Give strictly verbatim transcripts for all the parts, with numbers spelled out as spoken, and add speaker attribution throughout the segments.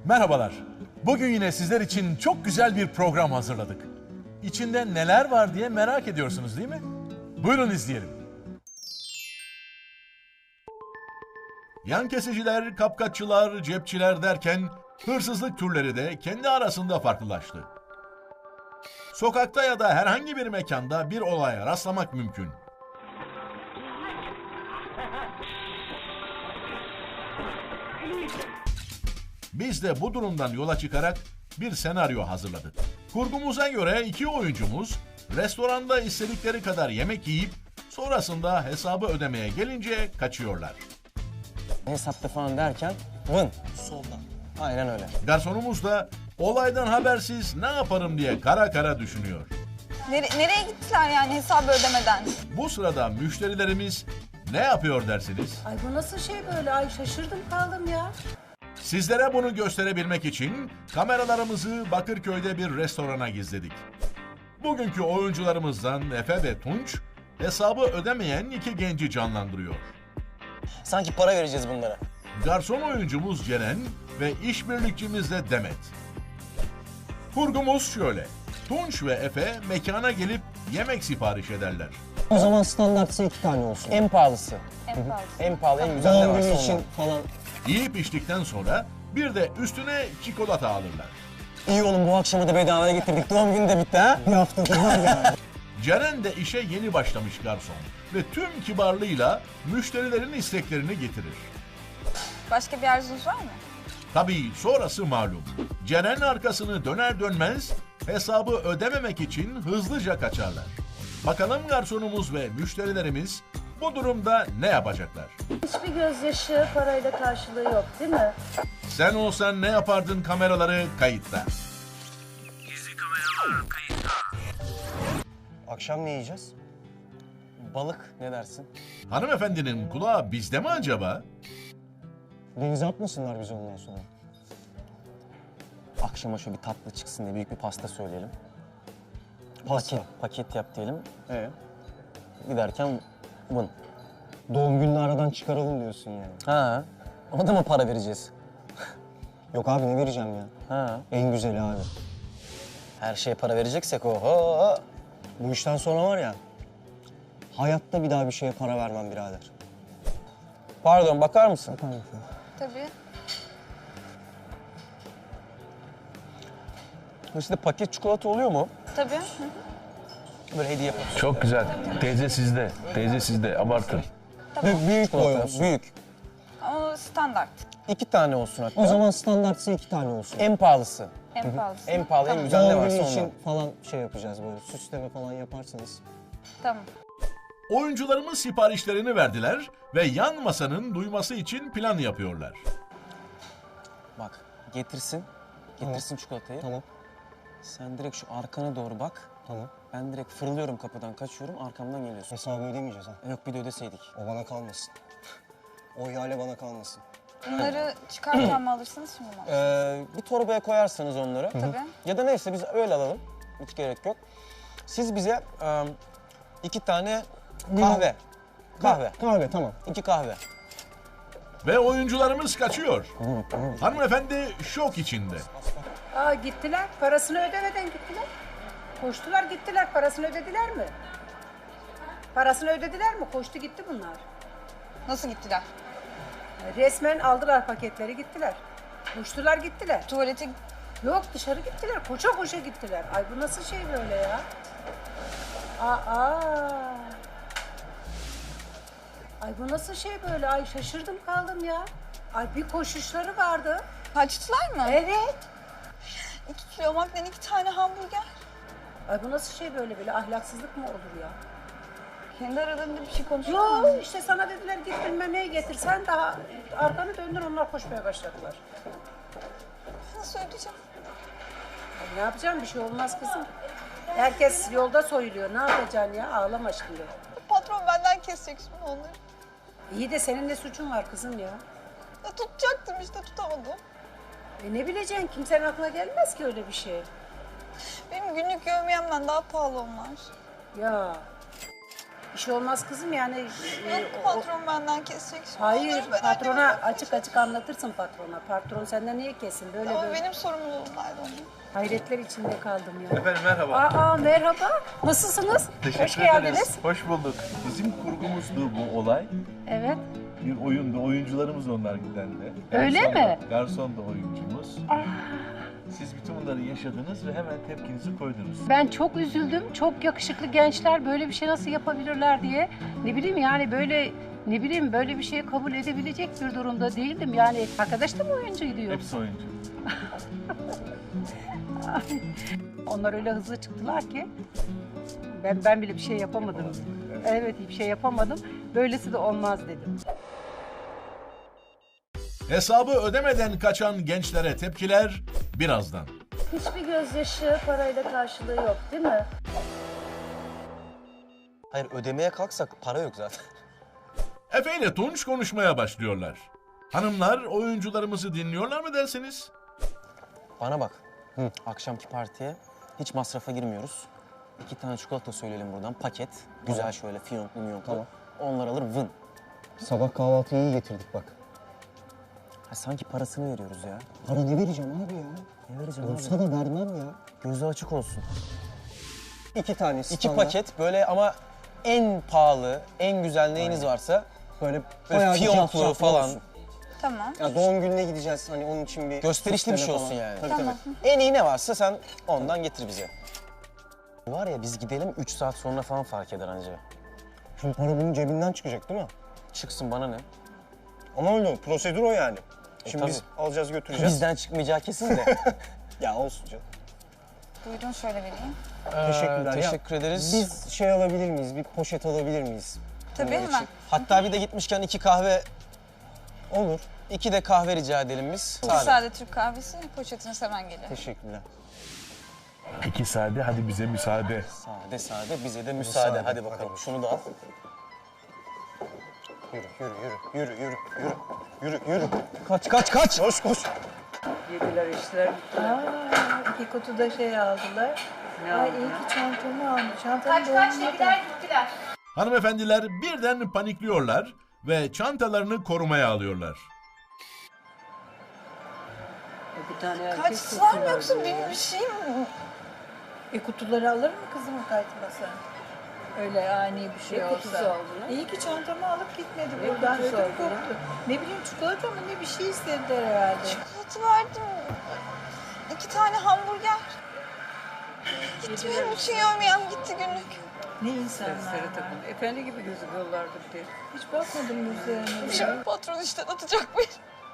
Speaker 1: Merhabalar. Bugün yine sizler için çok güzel bir program hazırladık. İçinde neler var diye merak ediyorsunuz değil mi? Buyurun izleyelim. Yan kesiciler, kapkaççılar, cepçiler derken hırsızlık türleri de kendi arasında farklılaştı. Sokakta ya da herhangi bir mekanda bir olaya rastlamak mümkün. Biz de bu durumdan yola çıkarak bir senaryo hazırladık. Kurgumuza göre iki oyuncumuz restoranda istedikleri kadar yemek yiyip sonrasında hesabı ödemeye gelince kaçıyorlar.
Speaker 2: Hesapta falan derken vın soldan. Aynen öyle.
Speaker 1: Garsonumuz da olaydan habersiz ne yaparım diye kara kara düşünüyor.
Speaker 3: Nere nereye gittiler yani hesabı ödemeden?
Speaker 1: Bu sırada müşterilerimiz ne yapıyor dersiniz?
Speaker 4: Ay bu nasıl şey böyle? Ay şaşırdım kaldım ya.
Speaker 1: Sizlere bunu gösterebilmek için kameralarımızı Bakırköy'de bir restorana gizledik. Bugünkü oyuncularımızdan Efe ve Tunç hesabı ödemeyen iki genci canlandırıyor.
Speaker 2: Sanki para vereceğiz bunlara.
Speaker 1: Garson oyuncumuz Ceren ve işbirlikçimiz de Demet. Kurgumuz şöyle. Tunç ve Efe mekana gelip yemek sipariş ederler.
Speaker 5: O zaman standartsa iki tane olsun.
Speaker 2: En pahalısı.
Speaker 3: En pahalı.
Speaker 2: En pahalı, en güzel ne
Speaker 5: Doğum
Speaker 2: varsa
Speaker 5: günü için
Speaker 2: ondan.
Speaker 5: falan.
Speaker 1: Yiyip içtikten sonra bir de üstüne çikolata alırlar.
Speaker 2: İyi oğlum, bu akşamı da bedavaya getirdik. Doğum günü de bitti ha.
Speaker 5: Bir haftadır var ya.
Speaker 1: Ceren de işe yeni başlamış garson ve tüm kibarlığıyla müşterilerin isteklerini getirir.
Speaker 3: Başka bir arzunuz var mı?
Speaker 1: Tabii sonrası malum. Ceren arkasını döner dönmez hesabı ödememek için hızlıca kaçarlar. Bakalım garsonumuz ve müşterilerimiz bu durumda ne yapacaklar?
Speaker 4: Hiçbir gözyaşı parayla karşılığı yok değil mi?
Speaker 1: Sen olsan ne yapardın kameraları kayıtta?
Speaker 2: Akşam ne yiyeceğiz? Balık, ne dersin?
Speaker 1: Hanımefendinin kulağı bizde mi acaba?
Speaker 5: Denize atmasınlar bizi ondan sonra.
Speaker 2: Akşama şöyle bir tatlı çıksın diye büyük bir pasta söyleyelim. Paket, paket yap diyelim.
Speaker 5: Ee,
Speaker 2: Giderken vın.
Speaker 5: doğum gününü aradan çıkaralım diyorsun yani.
Speaker 2: Ha, ona da mı para vereceğiz?
Speaker 5: Yok abi ne vereceğim ya?
Speaker 2: Ha.
Speaker 5: En güzeli abi.
Speaker 2: Her şeye para vereceksek oho.
Speaker 5: Bu işten sonra var ya, hayatta bir daha bir şeye para vermem birader.
Speaker 2: Pardon, bakar mısın?
Speaker 5: Bakar mısın?
Speaker 3: Tabii.
Speaker 2: İşte paket çikolata oluyor mu?
Speaker 3: Tabii. Hı hı.
Speaker 2: Böyle hediye yaparız.
Speaker 6: Çok güzel. Teyze sizde. Teyze sizde. Abartın.
Speaker 5: Büyük, büyük boy
Speaker 2: Çikolata,
Speaker 5: olsun.
Speaker 2: büyük.
Speaker 3: O standart.
Speaker 2: İki tane olsun hatta.
Speaker 5: O zaman standartsa iki tane olsun.
Speaker 2: En pahalısı.
Speaker 3: En pahalısı.
Speaker 2: En pahalı, en
Speaker 3: Tamam.
Speaker 2: güzel ne
Speaker 5: Doğum
Speaker 2: varsa
Speaker 5: günü
Speaker 2: ondan.
Speaker 5: için falan şey yapacağız böyle, süsleme falan yaparsanız.
Speaker 3: Tamam.
Speaker 1: Oyuncularımız siparişlerini verdiler ve yan masanın duyması için plan yapıyorlar.
Speaker 2: Bak, getirsin. Getirsin çikolatayı.
Speaker 5: Tamam,
Speaker 2: Sen direkt şu arkana doğru bak.
Speaker 5: tamam.
Speaker 2: Ben direkt fırlıyorum kapıdan, kaçıyorum, arkamdan geliyorsun.
Speaker 5: Hesabı ödemeyeceğiz ha.
Speaker 2: Yok, bir de ödeseydik.
Speaker 5: O bana kalmasın. O ihale bana kalmasın.
Speaker 3: Bunları çıkarken mi alırsınız şimdi mi?
Speaker 2: Ee, bir torbaya koyarsanız onları.
Speaker 3: Tabii.
Speaker 2: Ya da neyse biz öyle alalım. Hiç gerek yok. Siz bize e, iki tane kahve. Kahve.
Speaker 5: Kahve tamam.
Speaker 2: İki kahve.
Speaker 1: Ve oyuncularımız kaçıyor. Hanımefendi şok içinde.
Speaker 4: Aa gittiler. Parasını ödemeden gittiler. Koştular gittiler. Parasını ödediler mi? Parasını ödediler mi? Koştu gitti bunlar.
Speaker 3: Nasıl gittiler?
Speaker 4: Resmen aldılar paketleri gittiler. Koştular gittiler.
Speaker 3: Tuvalete
Speaker 4: Yok dışarı gittiler. Koşa koşa gittiler. Ay bu nasıl şey böyle ya? Aa. Ay bu nasıl şey böyle? Ay şaşırdım kaldım ya. Ay bir koşuşları vardı.
Speaker 3: kaçtılar mı?
Speaker 4: Evet.
Speaker 3: İki kilo maklen iki tane hamburger.
Speaker 4: Ay bu nasıl şey böyle böyle ahlaksızlık mı olur ya?
Speaker 3: Kendi aralarında bir şey konuşuyor mu?
Speaker 4: Yok işte sana dediler git bilmem neyi getir. Sen daha arkanı döndün onlar koşmaya başladılar.
Speaker 3: Nasıl ödeyeceğim?
Speaker 4: Ay ne yapacağım bir şey olmaz kızım. Herkes yolda soyuluyor. Ne yapacaksın ya? Ağlama şimdi.
Speaker 3: Patron benden kesecek şimdi onları.
Speaker 4: İyi de senin ne suçun var kızım ya?
Speaker 3: Ya tutacaktım işte tutamadım.
Speaker 4: E ne bileceksin? Kimsenin aklına gelmez ki öyle bir şey.
Speaker 3: Benim günlük yevmiyemden daha pahalı onlar.
Speaker 4: Ya. Bir şey olmaz kızım yani. e,
Speaker 3: Yok
Speaker 4: o-
Speaker 3: patron benden kesecek şimdi.
Speaker 4: Hayır,
Speaker 3: onları, ben
Speaker 4: patrona
Speaker 3: anneme
Speaker 4: açık açık anlatırsın patrona. Patron senden niye kesin böyle
Speaker 3: Ama
Speaker 4: böyle.
Speaker 3: benim sorumluluğumdaydı onun.
Speaker 4: Hayretler içinde kaldım ya.
Speaker 6: Efendim merhaba.
Speaker 4: Aa merhaba. Nasılsınız?
Speaker 6: Teşekkür
Speaker 4: Hoş
Speaker 6: ederiz.
Speaker 4: geldiniz.
Speaker 6: Hoş bulduk. Bizim kurgumuzdu bu olay.
Speaker 4: Evet.
Speaker 6: Bir oyundu. Oyuncularımız onlar giden de.
Speaker 4: Öyle
Speaker 6: Garson da-
Speaker 4: mi?
Speaker 6: Garson da oyuncumuz. Siz bütün bunları yaşadınız ve hemen tepkinizi koydunuz.
Speaker 4: Ben çok üzüldüm. Çok yakışıklı gençler böyle bir şey nasıl yapabilirler diye. Ne bileyim yani böyle ne bileyim böyle bir şeyi kabul edebilecek bir durumda değildim. Yani arkadaş da mı oyuncuydu yoksa?
Speaker 6: Hepsi oyuncu.
Speaker 4: Onlar öyle hızlı çıktılar ki ben ben bile bir şey yapamadım. Evet bir şey yapamadım. Böylesi de olmaz dedim.
Speaker 1: Hesabı ödemeden kaçan gençlere tepkiler birazdan.
Speaker 7: Hiçbir gözyaşı parayla karşılığı yok değil mi?
Speaker 2: Hayır ödemeye kalksak para yok zaten.
Speaker 1: Efe ile Tunç konuşmaya başlıyorlar. Hanımlar oyuncularımızı dinliyorlar mı dersiniz?
Speaker 2: Bana bak. Hı. Akşamki partiye hiç masrafa girmiyoruz. İki tane çikolata söyleyelim buradan paket. Güzel şöyle fiyonklu miyonklu.
Speaker 5: Tamam.
Speaker 2: Onlar alır vın.
Speaker 5: Sabah kahvaltıyı iyi getirdik bak.
Speaker 2: Ha, sanki parasını veriyoruz ya.
Speaker 5: Para ne vereceğim abi ya?
Speaker 2: Ne vereceğim
Speaker 5: Olsa
Speaker 2: abi?
Speaker 5: da vermem ya.
Speaker 2: Gözü açık olsun.
Speaker 5: İki tane
Speaker 2: İki
Speaker 5: standart.
Speaker 2: paket böyle ama en pahalı, en güzel neyiniz varsa
Speaker 5: Böyle
Speaker 2: böyle
Speaker 5: bayağı bir
Speaker 2: fiyonklu
Speaker 5: cafcaflı
Speaker 2: falan.
Speaker 5: olsun.
Speaker 3: Tamam.
Speaker 5: Ya doğum gününe gideceğiz hani onun için bir...
Speaker 2: Gösterişli bir
Speaker 5: süsleme
Speaker 2: şey olsun
Speaker 5: falan.
Speaker 2: yani.
Speaker 5: Tabii
Speaker 3: Tamam.
Speaker 5: tabii.
Speaker 2: En iyi ne varsa sen ondan getir bize. Var ya biz gidelim üç saat sonra falan fark eder anca.
Speaker 5: Şimdi para bunun cebinden çıkacak değil mi?
Speaker 2: Çıksın bana ne?
Speaker 5: Ama öyle prosedür o yani. Şimdi
Speaker 2: tabii.
Speaker 5: biz alacağız götüreceğiz.
Speaker 2: Bizden çıkmayacağı kesin de.
Speaker 5: Ya olsun canım.
Speaker 3: Buyurun şöyle vereyim.
Speaker 5: Teşekkürler. Ya,
Speaker 2: Teşekkür ederiz.
Speaker 5: Biz şey alabilir miyiz? Bir poşet alabilir miyiz?
Speaker 3: Tabii
Speaker 2: Bunlar
Speaker 3: hemen.
Speaker 2: için. Hatta bir de gitmişken iki kahve,
Speaker 5: Olur.
Speaker 2: iki de kahve rica edelim biz.
Speaker 3: Bir sade Türk kahvesi, poşetiniz hemen geliyor.
Speaker 5: Teşekkürler.
Speaker 6: İki sade hadi bize müsaade.
Speaker 2: Sade sade bize de müsaade.
Speaker 5: Müsaade,
Speaker 2: Hadi bakalım
Speaker 5: hadi.
Speaker 2: şunu da al.
Speaker 5: Yürü, yürü, yürü, yürü, yürü, yürü, yürü, yürü. Kaç, kaç, kaç. Koş, koş.
Speaker 8: Yediler içtiler. Aa, iki kutuda şey aldılar. Ay iyi ki çantamı almış. Çantamı
Speaker 4: Kaç kaç dediler gittiler.
Speaker 1: Hanımefendiler birden panikliyorlar ve çantalarını korumaya alıyorlar.
Speaker 8: Bir tane erkek
Speaker 3: Kaçtılar mı
Speaker 8: kutusu
Speaker 3: yoksa
Speaker 8: var
Speaker 3: benim
Speaker 8: ya.
Speaker 3: bir şeyim mi?
Speaker 8: E kutuları alır mı kızım kaçmasa? Öyle ani bir şey
Speaker 4: Ne
Speaker 8: olsa.
Speaker 4: kutusu aldılar?
Speaker 8: İyi ki çantamı alıp gitmedi
Speaker 4: Ne
Speaker 8: buradan.
Speaker 4: kutusu
Speaker 8: Ödüm
Speaker 4: aldılar?
Speaker 8: koptu. Ne bileyim çikolata mı ne bir şey istediler herhalde.
Speaker 3: Çikolata verdim. İki tane hamburger. Gitti benim bütün yemeğim gitti günlük.
Speaker 8: Ne insanlar
Speaker 4: Sarı
Speaker 8: var.
Speaker 4: takım. Efendi gibi gözüküyorlardı diye.
Speaker 8: Hiç bakmadım yüzlerine. ya.
Speaker 3: Patron işten atacak beni.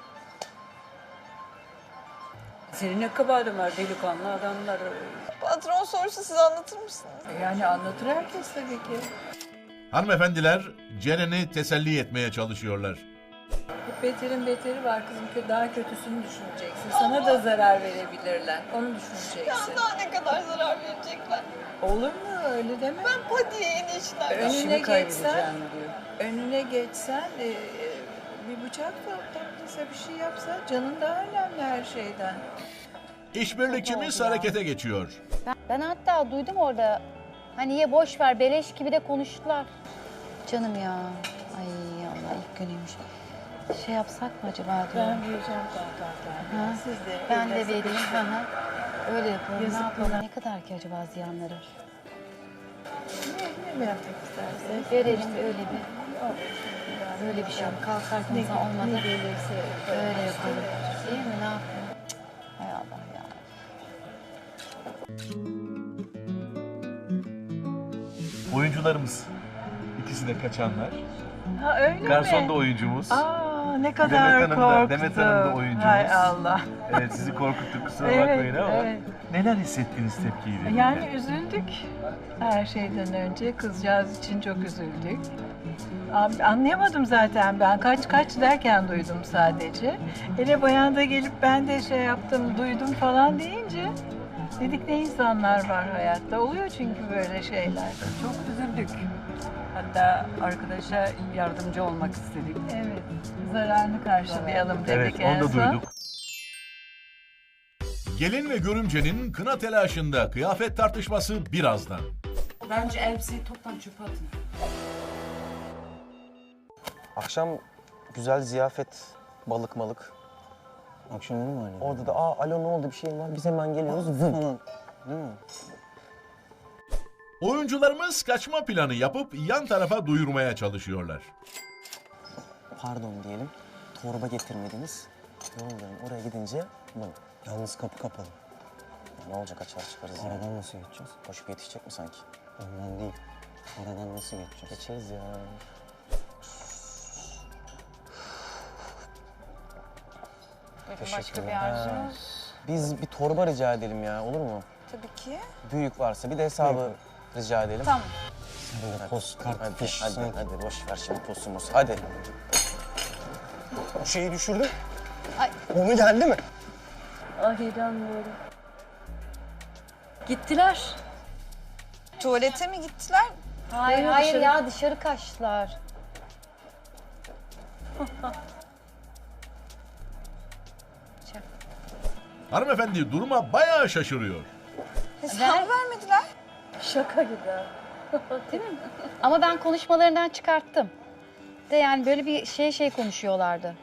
Speaker 4: Senin ne kabahatin var delikanlı adamlar.
Speaker 3: Patron sorsa size anlatır mısınız?
Speaker 8: Yani anlatır herkes tabii ki.
Speaker 1: Hanımefendiler Ceren'i teselli etmeye çalışıyorlar.
Speaker 8: Beterin beteri var kızım ki daha kötüsünü düşüneceksin. Sana da zarar verebilirler. Onu
Speaker 3: Ya
Speaker 8: düşüneceksin.
Speaker 3: daha ne kadar zarar verecekler?
Speaker 8: Olur mu öyle deme.
Speaker 3: Ben patiye en işler.
Speaker 8: Önüne
Speaker 4: İşimi
Speaker 8: geçsen,
Speaker 4: kaybedeceğim diyor.
Speaker 8: önüne geçsen e, e, bir bıçak da taktıysa bir şey yapsa canın daha önemli her şeyden.
Speaker 1: İşbirlikçimiz harekete geçiyor.
Speaker 7: Ben, ben hatta duydum orada. Hani ye boş ver beleş gibi de konuştular. Canım ya. Ay Allah ilk günüymüş. Şey yapsak mı acaba
Speaker 8: Ben
Speaker 7: diyorum.
Speaker 8: vereceğim zaten.
Speaker 7: Ha,
Speaker 8: Siz de
Speaker 7: Ben de
Speaker 8: evde
Speaker 7: vereyim.
Speaker 8: sıkışın.
Speaker 7: Hı hı. Öyle yapalım.
Speaker 8: Yazık
Speaker 7: Ne yapalım?
Speaker 8: bana.
Speaker 7: Ne kadar ki acaba ziyanları?
Speaker 8: Ne, ne mi yapmak istersen?
Speaker 7: Verelim öyle bir. Böyle bir şey yok. Kalkarken
Speaker 8: Ne,
Speaker 7: insan olmadı.
Speaker 8: ne gelirse
Speaker 7: Öyle yapalım. Değil mi? Ne yapalım? Cık, hay Allah ya.
Speaker 6: Oyuncularımız. İkisi de kaçanlar.
Speaker 8: Ha öyle
Speaker 6: Garson
Speaker 8: mi?
Speaker 6: da oyuncumuz.
Speaker 8: Aa ne
Speaker 6: Demet
Speaker 8: kadar
Speaker 6: Hanım da-
Speaker 8: korktum.
Speaker 6: Demet Hanım da oyuncumuz.
Speaker 8: Hay Allah.
Speaker 6: Evet sizi korkuttuk kusura
Speaker 8: Evet,
Speaker 6: bakmayın ama.
Speaker 8: evet.
Speaker 6: Neler hissettiniz tepkiyi verince?
Speaker 8: Yani üzüldük her şeyden önce. Kızcağız için çok üzüldük. An- Anlayamadım zaten ben. Kaç kaç derken duydum sadece. Hele bayan da gelip ben de şey yaptım, duydum falan deyince dedik ne insanlar var hayatta. Oluyor çünkü böyle şeyler.
Speaker 4: Çok üzüldük. Hatta arkadaşa yardımcı olmak istedik.
Speaker 8: Evet, zararını karşılayalım dedik
Speaker 6: Evet
Speaker 8: en
Speaker 6: onu da
Speaker 8: son.
Speaker 6: duyduk.
Speaker 1: Gelin ve görümcenin kına telaşında kıyafet tartışması birazdan.
Speaker 4: Bence elbiseyi toptan çöpe atın.
Speaker 2: Akşam güzel ziyafet, balık malık.
Speaker 5: Akşam olur mu anne?
Speaker 2: Orada da aa alo ne oldu bir şeyim var biz hemen geliyoruz vın falan. Değil mi?
Speaker 1: Oyuncularımız kaçma planı yapıp yan tarafa duyurmaya çalışıyorlar.
Speaker 2: Pardon diyelim. Torba getirmediniz. Yollayın oraya gidince vın.
Speaker 5: Yalnız kapı kapalı.
Speaker 2: Ya ne olacak açar çıkarız ya.
Speaker 5: Aradan nasıl geçeceğiz?
Speaker 2: Koşup yetişecek mi sanki?
Speaker 5: Ondan değil. Aradan nasıl geçeceğiz?
Speaker 2: Geçeriz ya.
Speaker 3: Buyurun başka bir arzunuz?
Speaker 2: Biz bir torba rica edelim ya olur mu?
Speaker 3: Tabii ki.
Speaker 2: Büyük varsa bir de hesabı rica edelim.
Speaker 3: Tamam.
Speaker 5: Böyle post, kart,
Speaker 2: Hadi,
Speaker 5: fiş,
Speaker 2: hadi,
Speaker 5: sanki.
Speaker 2: hadi boş ver şimdi postumuz. Hadi.
Speaker 5: Bu şeyi düşürdüm.
Speaker 7: Ay.
Speaker 5: Onu geldi mi?
Speaker 9: Ah inanmıyorum. Gittiler.
Speaker 3: Tuvalete mi gittiler?
Speaker 7: Hayır
Speaker 9: Buyurun
Speaker 7: hayır
Speaker 9: dışarı.
Speaker 7: ya dışarı kaçtılar.
Speaker 1: Hanımefendi duruma bayağı şaşırıyor.
Speaker 3: Hesap vermediler.
Speaker 9: Şaka gibi ha.
Speaker 7: Değil mi? Ama ben konuşmalarından çıkarttım. De yani böyle bir şey şey konuşuyorlardı.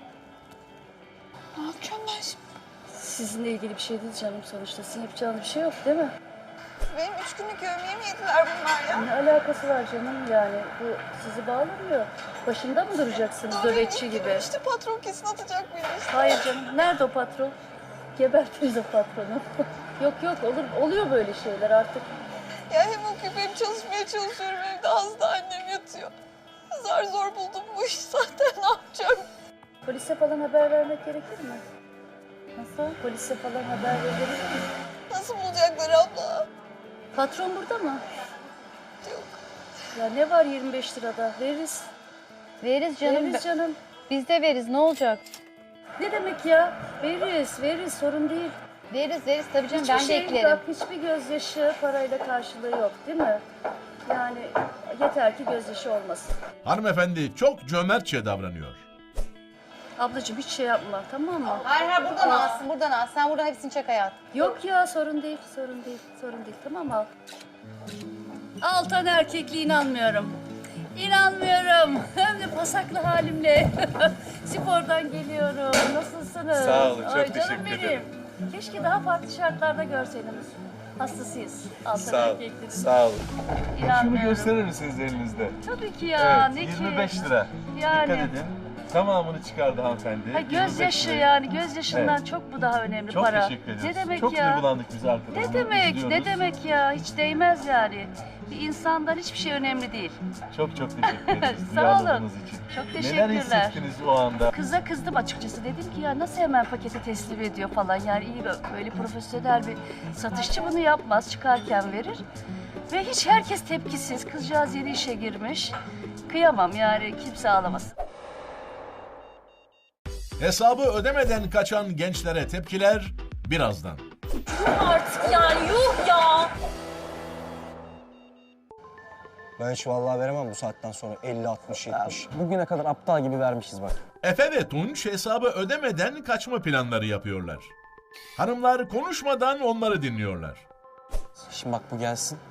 Speaker 3: Ne yapacağım ben şimdi?
Speaker 9: Sizinle ilgili bir şey değil canım sonuçta. Sizin yapacağınız bir şey yok değil mi?
Speaker 3: Benim üç günlük yemeğimi yediler bunlar ya.
Speaker 9: Ne alakası var canım yani? Bu sizi bağlamıyor. Başında mı duracaksınız
Speaker 3: Daha benim
Speaker 9: nöbetçi
Speaker 3: ilk
Speaker 9: gibi?
Speaker 3: günüm İşte patron kesin atacak beni işte.
Speaker 9: Hayır canım. Nerede o patron? Gebertiriz o patronu. Yok yok olur oluyor böyle şeyler artık.
Speaker 3: Ya hem okuyup hem çalışmaya çalışıyorum evde hasta annem yatıyor. Zar zor buldum bu işi zaten ne yapacağım?
Speaker 9: Polise falan haber vermek gerekir mi? Nasıl? Polise falan haber verebilir mi?
Speaker 3: Nasıl bulacaklar abla?
Speaker 9: Patron burada mı?
Speaker 3: Yok.
Speaker 9: Ya ne var yirmi beş lirada? Veririz.
Speaker 7: Veririz canım.
Speaker 9: Veririz canım.
Speaker 7: Biz de veririz ne olacak?
Speaker 9: Ne demek ya? Veririz, veririz. Sorun değil.
Speaker 7: Veririz veririz tabii canım
Speaker 9: Hiçbir
Speaker 7: ben de
Speaker 9: şey,
Speaker 7: eklerim.
Speaker 9: bak, hiçbir gözyaşı parayla karşılığı yok değil mi? Yani yeter ki gözyaşı olmasın.
Speaker 1: Hanımefendi çok cömertçe davranıyor.
Speaker 9: Ablacığım hiç şey yapma tamam mı?
Speaker 7: Hayır hayır buradan alsın buradan al. Sen burada hepsini çek hayat.
Speaker 9: Yok ya sorun değil, sorun değil, sorun değil. Tamam mı? Al. Altan erkekliğe inanmıyorum. İnanmıyorum. Hem de pasaklı halimle. Spordan geliyorum. Nasılsınız?
Speaker 6: Sağ olun, çok
Speaker 9: Ay, canım
Speaker 6: teşekkür
Speaker 9: benim.
Speaker 6: ederim.
Speaker 9: Keşke daha farklı şartlarda görseydiniz. Hastasıyız. Altan
Speaker 6: Sağ olun.
Speaker 9: erkekliğinin.
Speaker 6: Sağ olun. Şunu
Speaker 9: İnanmıyorum.
Speaker 6: gösterir misiniz elinizde?
Speaker 9: Tabii ki ya.
Speaker 6: Evet,
Speaker 9: ne
Speaker 6: yirmi
Speaker 9: ki?
Speaker 6: beş lira.
Speaker 9: Yani.
Speaker 6: Dikkat edin. Tamamını çıkardı hanımefendi.
Speaker 9: Ha,
Speaker 6: yirmi beş
Speaker 9: gözyaşı
Speaker 6: lirayı.
Speaker 9: yani gözyaşından
Speaker 6: Evet.
Speaker 9: çok bu daha önemli
Speaker 6: Çok
Speaker 9: para.
Speaker 6: teşekkür ederiz.
Speaker 9: Ne demek
Speaker 6: Çok
Speaker 9: ya?
Speaker 6: duygulandık biz arkadaşlar.
Speaker 9: Ne demek?
Speaker 6: İzliyoruz.
Speaker 9: Ne demek ya? Hiç değmez yani. Bir insandan hiçbir şey önemli değil.
Speaker 6: Çok çok teşekkür ederiz.
Speaker 9: Sağ olun.
Speaker 6: duyarlılığınız için.
Speaker 9: Çok
Speaker 6: Neler
Speaker 9: teşekkürler.
Speaker 6: hissettiniz o anda?
Speaker 9: Kıza kızdım açıkçası. Dedim ki ya nasıl hemen paketi teslim ediyor falan. Yani iyi böyle profesyonel bir satışçı bunu yapmaz. Çıkarken verir. Ve hiç herkes tepkisiz. Kızcağız yeni işe girmiş. Kıyamam yani kimse ağlamasın.
Speaker 1: Hesabı ödemeden kaçan gençlere tepkiler birazdan.
Speaker 9: Artık yani yuh ya.
Speaker 5: Ben hiç vallahi veremem bu saatten sonra elli, altmış, yetmiş.
Speaker 2: Bugüne kadar aptal gibi vermişiz bak.
Speaker 1: Efe ve Tunç hesabı ödemeden kaçma planları yapıyorlar. Hanımlar konuşmadan onları dinliyorlar.
Speaker 2: Şimdi bak bu gelsin.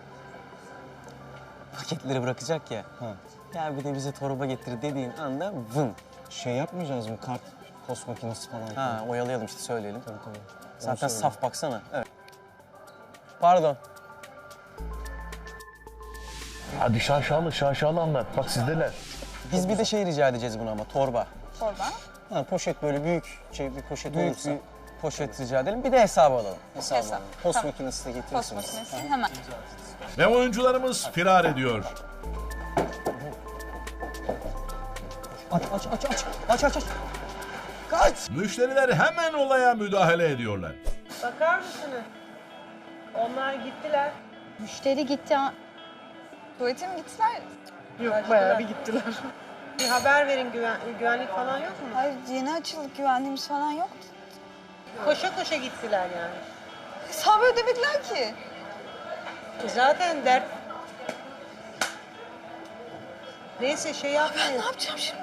Speaker 2: Paketleri bırakacak ya.
Speaker 5: Ha.
Speaker 2: Ya bir de bize torba getir dediğin anda vın.
Speaker 5: Şey yapmayacağız mı? Kart, post makinesi falan.
Speaker 2: Ha oyalayalım işte söyleyelim.
Speaker 5: Tabii tabii.
Speaker 2: Zaten
Speaker 5: Onu söyle.
Speaker 2: saf baksana. Evet. Pardon.
Speaker 6: Hadi şaşalı şaşalı anlat. Bak sizdeler.
Speaker 2: Biz bir de şey rica edeceğiz buna ama torba.
Speaker 3: Torba.
Speaker 5: Ha, poşet böyle büyük şey bir poşet
Speaker 2: Büyük
Speaker 5: olursa.
Speaker 2: bir poşet rica edelim. Bir de hesabı alalım.
Speaker 5: Hesabı
Speaker 3: Hesap.
Speaker 5: alalım. Post
Speaker 3: Tamam.
Speaker 5: makinesi de
Speaker 3: Post
Speaker 5: getirirsiniz.
Speaker 3: makinesi hemen.
Speaker 1: Ve oyuncularımız firar ediyor.
Speaker 5: Aç aç aç aç aç aç aç. Kaç!
Speaker 1: Müşteriler hemen olaya müdahale ediyorlar.
Speaker 8: Bakar mısınız? Onlar gittiler.
Speaker 7: Müşteri gitti. ha-
Speaker 3: Tuvalete mi gittiler?
Speaker 8: Yok bayağı bir gittiler. Bir haber verin güven, güvenlik falan yok mu?
Speaker 3: Hayır yeni açıldık güvenliğimiz falan yoktu.
Speaker 8: Koşa koşa gittiler yani.
Speaker 3: Hesabı ödemediler ki.
Speaker 8: Zaten dert... Neyse şey yapmayın.
Speaker 3: Ne yapacağım şimdi?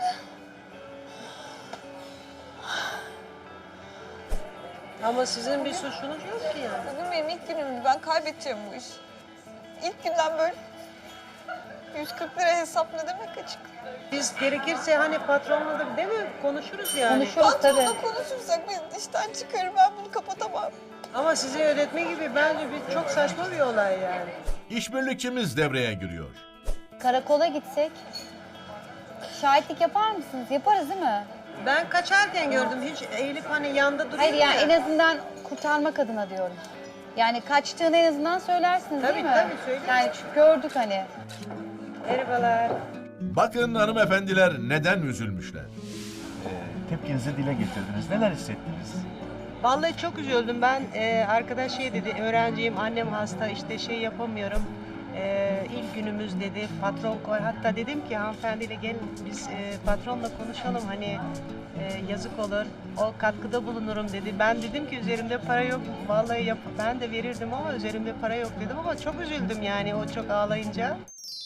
Speaker 8: Ama sizin bir suçunuz yok ki yani.
Speaker 3: Bugün benim ilk günümdü. Ben kaybedeceğim bu işi. İlk günden böyle yüz kırk lira hesap ne demek açık?
Speaker 10: Biz gerekirse hani patronla da değil mi konuşuruz yani.
Speaker 7: Konuşuruz tabii.
Speaker 3: Patronla konuşursak beni işten çıkarır, ben bunu kapatamam.
Speaker 10: Ama size ödetme gibi bence bir çok saçma bir olay yani.
Speaker 1: İşbirlikçimiz devreye giriyor.
Speaker 7: Karakola gitsek. Şahitlik yapar mısınız? Yaparız değil mi?
Speaker 10: Ben kaçarken gördüm, hiç eğilip hani yanda duruyor
Speaker 7: Hayır yani
Speaker 10: ya.
Speaker 7: en azından kurtarmak adına diyorum. Yani kaçtığını en azından söylersiniz
Speaker 10: Tabii,
Speaker 7: değil mi?
Speaker 10: tabii, söyleriz.
Speaker 7: Yani çünkü gördük hani.
Speaker 10: Merhabalar.
Speaker 1: Bakın hanımefendiler neden üzülmüşler.
Speaker 6: Tepkinizi dile getirdiniz. Neler hissettiniz?
Speaker 10: Vallahi çok üzüldüm. Ben e, arkadaş şey dedi, öğrenciyim, annem hasta, işte şey yapamıyorum. E, ilk günümüz dedi, patron koy. Hatta dedim ki hanımefendiyle gelin biz e, patronla konuşalım hani e, yazık olur. O katkıda bulunurum dedi. Ben dedim ki üzerimde para yok. Vallahi yap ben de verirdim ama üzerimde para yok dedim ama çok üzüldüm yani o çok ağlayınca.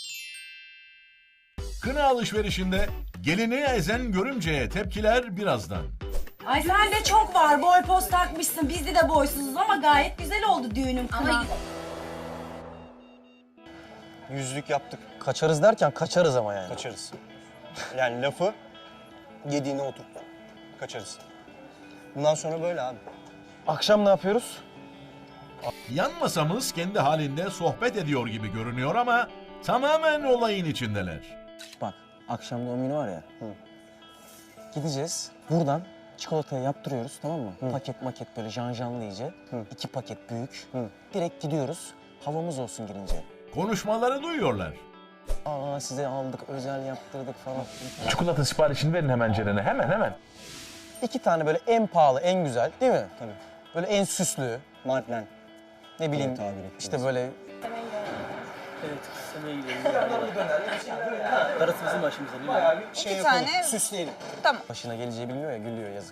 Speaker 1: Kına alışverişinde gelini ezen görümceye tepkiler birazdan.
Speaker 11: Ay sende çok var. Boy poz takmışsın. Bizde de boysuzuz ama gayet güzel oldu düğünüm kına.
Speaker 5: Yüzlük yaptık.
Speaker 2: Kaçarız derken kaçarız ama yani.
Speaker 5: Kaçarız. Yani lafı yediğine otur. Kaçarız. Bundan sonra böyle abi.
Speaker 2: Akşam ne yapıyoruz?
Speaker 1: Yan masamız kendi halinde sohbet ediyor gibi görünüyor ama tamamen olayın içindeler.
Speaker 2: Bak akşam doğum günü var ya. Hı. Gideceğiz. Buradan çikolatayı yaptırıyoruz tamam mı? Hı. Paket maket böyle janjanlı iyice. Hı. İki paket büyük. Hı. Direkt gidiyoruz. Havamız olsun girince.
Speaker 1: Konuşmaları duyuyorlar.
Speaker 2: Aa size aldık, özel yaptırdık falan.
Speaker 6: Çikolata siparişini verin hemen Ceren'e. Hemen hemen.
Speaker 2: İki tane böyle en pahalı, en güzel değil mi?
Speaker 5: Tabii.
Speaker 2: Böyle en süslü.
Speaker 5: Martlen.
Speaker 2: Ne bileyim
Speaker 5: Evet, tabir ettiğiniz.
Speaker 2: işte böyle
Speaker 5: Darısı bizim başımıza değil mi? Şey
Speaker 3: İki
Speaker 5: yapalım,
Speaker 3: tane-
Speaker 5: süsleyelim.
Speaker 3: Tamam.
Speaker 2: başına geleceği bilmiyor ya gülüyor yazık.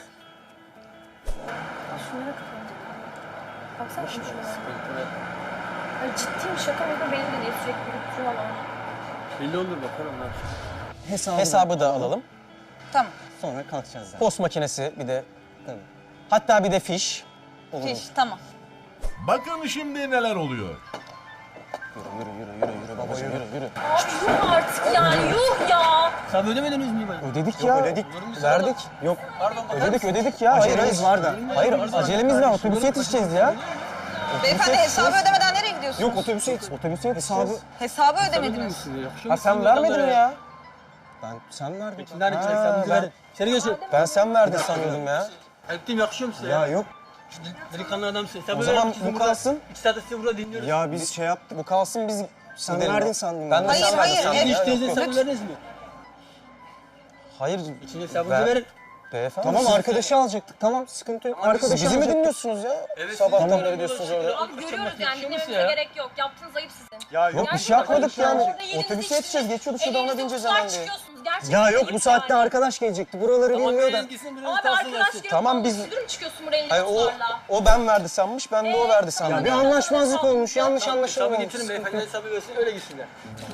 Speaker 12: Şunlara kapanacak. Baksana şunlara. Ay ciddiyim şaka mı da belli de değil sürekli götürüyorlar.
Speaker 5: Belli olur bakalım onlar. Hesabı,
Speaker 2: Hesabı da alalım.
Speaker 3: Tamam.
Speaker 5: Sonra kalkacağız zaten.
Speaker 2: Post makinesi bir de.
Speaker 5: Tabii.
Speaker 2: Hatta bir de fiş.
Speaker 3: Fiş, tamam.
Speaker 1: Bakın şimdi neler oluyor.
Speaker 2: Yürü yürü yürü yürü yürü babacığım yürü yürü.
Speaker 12: Abi yuh artık yani yuh ya.
Speaker 5: Sen ödemediniz mi ben?
Speaker 2: Ödedik ya.
Speaker 5: ödedik.
Speaker 2: Verdik. Yok. Ödedik ödedik ya. Hayır,
Speaker 5: Acelemiz
Speaker 2: hayır.
Speaker 5: var da.
Speaker 2: Hayır acelemiz var. Otobüse yetişeceğiz ya.
Speaker 3: Beyefendi hesabı ödemeden nereye gidiyorsunuz?
Speaker 5: Yok otobüse yetiş. Otobüse
Speaker 2: Hesabı.
Speaker 3: Hesabı ödemediniz.
Speaker 2: Ha sen vermedin mi ya?
Speaker 5: Ben sen verdin.
Speaker 2: Ha, ben,
Speaker 5: İçeri geçin.
Speaker 2: ben sen verdin sanıyordum ya.
Speaker 5: Ettim yakışıyor mu size? Ya yok.
Speaker 13: Delikanlı adamsın. Sen
Speaker 2: O
Speaker 13: böyle
Speaker 2: zaman
Speaker 13: bizim
Speaker 2: bu
Speaker 13: burada
Speaker 2: kalsın.
Speaker 13: İki saat sizi burada dinliyoruz.
Speaker 5: Ya biz şey yaptık.
Speaker 2: Bu kalsın biz
Speaker 5: Sen
Speaker 2: gidelim.
Speaker 5: verdin sandım.
Speaker 2: Ben de
Speaker 3: Hayır,
Speaker 2: sen
Speaker 3: hayır,
Speaker 2: verdin sandım.
Speaker 3: evet.
Speaker 2: ya.
Speaker 13: İçtiğinizi
Speaker 2: Yok, yok.
Speaker 13: hesabı verdiniz mi?
Speaker 2: Hayır.
Speaker 13: İçinde hesabınızı
Speaker 2: Ver.
Speaker 13: verin.
Speaker 2: Beyefendi.
Speaker 5: Tamam
Speaker 2: siz-
Speaker 5: arkadaşı alacaktık. Tamam sıkıntı yok.
Speaker 2: Siz
Speaker 5: Arkadaşı
Speaker 2: bizi mi
Speaker 5: alacaktık.
Speaker 2: dinliyorsunuz ya?
Speaker 13: Evet,
Speaker 2: Sabahtan
Speaker 13: siz-
Speaker 2: beri diyorsunuz orada.
Speaker 12: Abi görüyoruz yani dinlememize
Speaker 13: ya?
Speaker 12: gerek yok. Yaptığınız ayıp sizin.
Speaker 5: Ya
Speaker 2: Yok bir
Speaker 12: Gerçekten
Speaker 2: şey yapmadık yani.
Speaker 12: orada yediğiniz
Speaker 2: Otobüse yetişeceğiz. Geçiyorduk şurada ona
Speaker 12: Elinizde
Speaker 2: bineceğiz
Speaker 12: kuşlar
Speaker 2: hemen diye.
Speaker 12: çıkıyorsunuz. Gerçekten
Speaker 5: Ya yok
Speaker 12: ayıp
Speaker 5: bu saatte
Speaker 12: yani.
Speaker 5: arkadaş gelecekti. Buraları
Speaker 13: Tamam
Speaker 5: bilmiyor da.
Speaker 13: biriniz gitsin biriniz
Speaker 12: Abi
Speaker 13: kalsın
Speaker 12: arkadaş
Speaker 13: gelsin.
Speaker 12: gelip
Speaker 2: Tamam, biz-
Speaker 12: müdür mü çıkıyorsun buraya elinde
Speaker 2: Hayır o,
Speaker 12: kuşlarla?
Speaker 2: o ben verdi sanmış. Ben de o verdi sandım.
Speaker 5: Ya bir anlaşmazlık olmuş. Yanlış
Speaker 13: Hesabı
Speaker 5: anlaşılma
Speaker 13: getirin
Speaker 5: olmuş.
Speaker 13: beyefendi hesabı versin öyle gitsinler.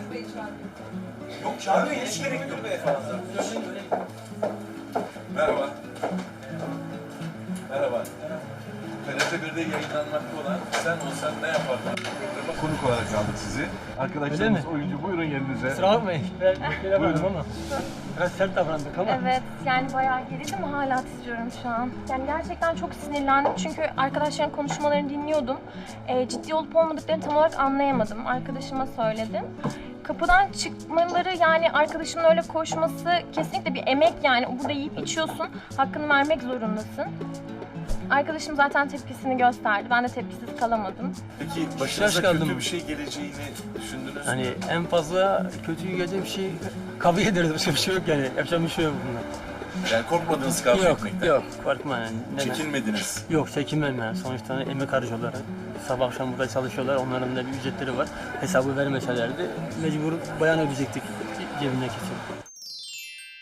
Speaker 6: Merhaba. Merhaba. T R T bir'de yayınlanmakta olan Sen Olsan Ne Yapardın? Programa konuk olarak aldık sizi. Arkadaşlarımız oyuncu buyurun yerinize.
Speaker 13: Kusura bakmayın. Ben bir kere yapmadım ama. Biraz sert davrandık ama.
Speaker 12: Evet, yani bayağı gerildim ama hala titriyorum şu an. Yani gerçekten çok sinirlendim çünkü arkadaşların konuşmalarını dinliyordum. Ee, ciddi olup olmadıklarını tam olarak anlayamadım. Arkadaşıma söyledim. Kapıdan çıkmaları yani arkadaşımın öyle koşması kesinlikle bir emek yani. Burada yiyip içiyorsun, hakkını vermek zorundasın. Arkadaşım zaten tepkisini gösterdi. Ben de tepkisiz kalamadım.
Speaker 6: Peki
Speaker 13: Şaş
Speaker 6: başınıza
Speaker 13: kaldım.
Speaker 6: kötü bir şey geleceğini düşündünüz mü?
Speaker 13: Hani en fazla kötü gelecek bir şey kabul ederiz. Başka bir şey yok yani. Yapacak bir şey yok bunlar.
Speaker 6: Yani korkmadınız kavga
Speaker 13: Yok,
Speaker 6: etmekten.
Speaker 13: yok. Korkma yani. Neden?
Speaker 6: Çekinmediniz.
Speaker 13: Yok, çekinmem yani. Sonuçta emek harcıyorlar. Sabah akşam burada çalışıyorlar. Onların da bir ücretleri var. Hesabı vermeselerdi mecbur bayan ödeyecektik cebindeki